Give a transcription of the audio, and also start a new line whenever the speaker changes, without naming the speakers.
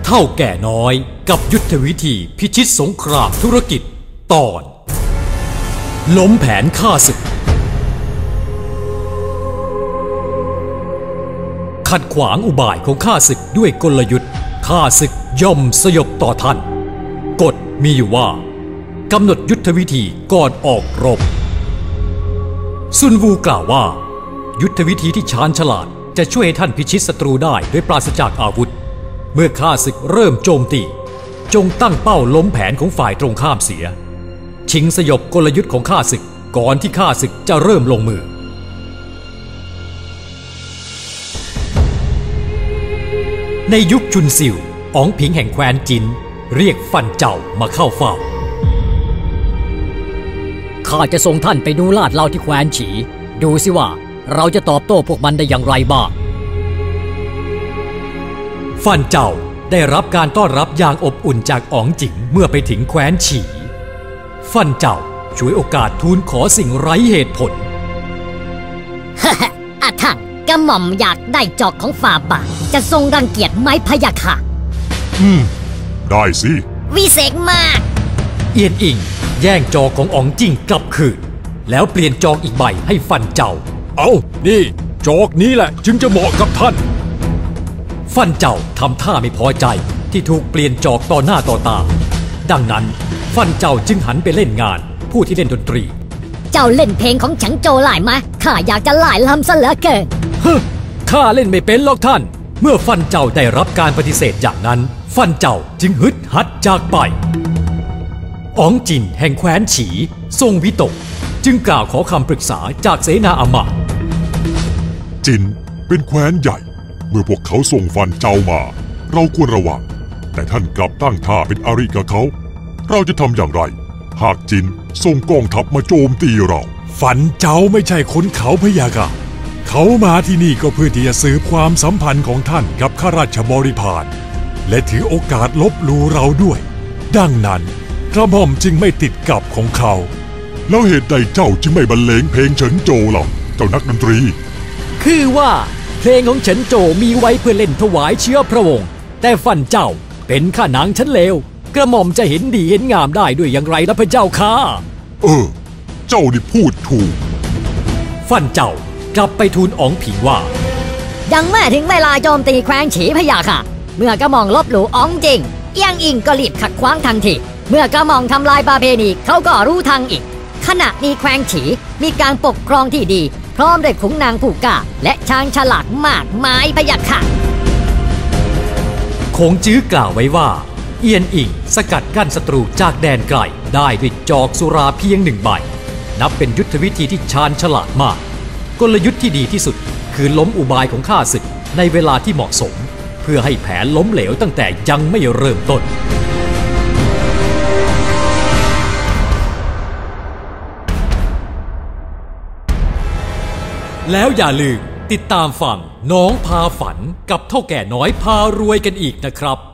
เท่าแก่น้อยกับยุทธวิธีพิชิตสงครามธุรกิจตอนล้มแผนฆ่าศึกขัดขวางอุบายของข้าศึกด้วยกลยุทธ์ข้าศึกย่อมสยบต่อท่านกฎมีอยู่ว่ากำหนดยุทธวิธีก่อนออกรบซุนวูกล่าวว่ายุทธวิธีที่ชาญฉลาดจะช่วยให้ท่านพิชิตศัตรูได้โดยปราศจากอาวุธเมื่อข้าศึกเริ่มโจมตีจงตั้งเป้าล้มแผนของฝ่ายตรงข้ามเสียชิงสยบกลยุทธ์ของข้าศึกก่อนที่ข้าศึกจะเริ่มลงมือในยุคจุนซิวอ๋องผิงแห่งแคว้นจินเรียกฟันเจ้ามาเข้าเฝ้า
ข้าจะส่งท่านไปดูลาดเหลาที่แคว้นฉีดูสิว่าเราจะตอบโต้พวกมันได้อย่างไรบ้าง
ฟันเจ้าได้รับการต้อนรับอย่างอบอุ่นจากอ๋องจิ๋งเมื่อไปถึงแคว้นฉีฟันเจ้าช่วยโอกาสทูลขอสิ่งไร้เหตุผล
อาถังกระหม่อมอยากได้จอกของฝ่าบาทจะทรงรังเกียจไหมพะยะค่ะ
ได้สิ
วิเศษมาก
เอียนอิงแย่งจอกของอ๋องจิ๋งกลับคืนแล้วเปลี่ยนจอกอีกใบให้ฟันเจ้า
เอานี่จอกนี้แหละจึงจะเหมาะกับท่าน
ฟันเจ้าทำท่าไม่พอใจที่ถูกเปลี่ยนจอกต่อหน้าต่อตาดังนั้นฟันเจ้าจึงหันไปเล่นงานผู้ที่เล่นดนตรี
เจ้าเล่นเพลงของฉังโจหลายไหมข้าอยากจะหลายลำซะเหลือเกิน
ข้าเล่นไม่เป็นหรอกท่านเมื่อฟันเจ้าได้รับการปฏิเสธอย่างนั้นฟันเจ้าจึงฮึดฮัดจากไปอ๋องจินแห่งแคว้นฉีทรงวิตกจึงกล่าวขอคำปรึกษาจากเสนาอมาตย์
จินเป็นแคว้นใหญ่เมื่อพวกเขาส่งฟันเจ้ามาเราควรระวังแต่ท่านกลับตั้งท่าเป็นอริกับเขาเราจะทำอย่างไรหากจินส่งกองทัพมาโจมตีเรา
ฟันเจ้าไม่ใช่คนเขาพะยะค่ะเขามาที่นี่ก็เพื่อที่จะสืบความสัมพันธ์ของท่านกับข้าราชบริพารและถือโอกาสลบหลู่เราด้วยดังนั้นกระหม่อมจึงไม่ติดกับของเขา
แล้วเหตุใดเจ้าจึงไม่บรรเลงเพลงเฉินโจล่ะเจ้านักดนตรี
คือว่าเพลงของเฉินโจมีไว้เพื่อเล่นถวายเชื้อพระวงศ์แต่ฟันเจ้าเป็นข้านางชั้นเลวกระหม่อมจะเห็นดีเห็นงามได้ด้วยอย่างไรล่ะพระเจ้าค่ะ
เจ้านี่พูดถูก
ฟันเจ้ากลับไปทูลอ๋องผิงว่า
ยังไม่ถึงเวลาโจมตีแคว้นฉีพะยะค่ะเมื่อกระหม่อมลบหลู่อ๋องจริงเอียงอิงก็รีบขัดขวางทันทีเมื่อกระหม่อมทำลายประเพณีเขาก็รู้ทางอีกขณะนี้แคว้นฉีมีการปกครองที่ดีพร้อมด้วยขุนนางผู้กล้าและช้างฉลาดมากมายพะยะค่ะ
คงจื้อกล่าวไว้ว่าเอียนอิงสกัดกั้นศัตรูจากแดนไกลได้ด้วยจอกสุราเพียงหนึ่งใบนับเป็นยุทธวิธีที่ชาญฉลาดมากกลยุทธ์ที่ดีที่สุดคือล้มอุบายของข้าศึกในเวลาที่เหมาะสมเพื่อให้แผนล้มเหลวตั้งแต่ยังไม่เริ่มต้นแล้วอย่าลืมติดตามฟังน้องพาฝันกับเท่าแก่น้อยพารวยกันอีกนะครับ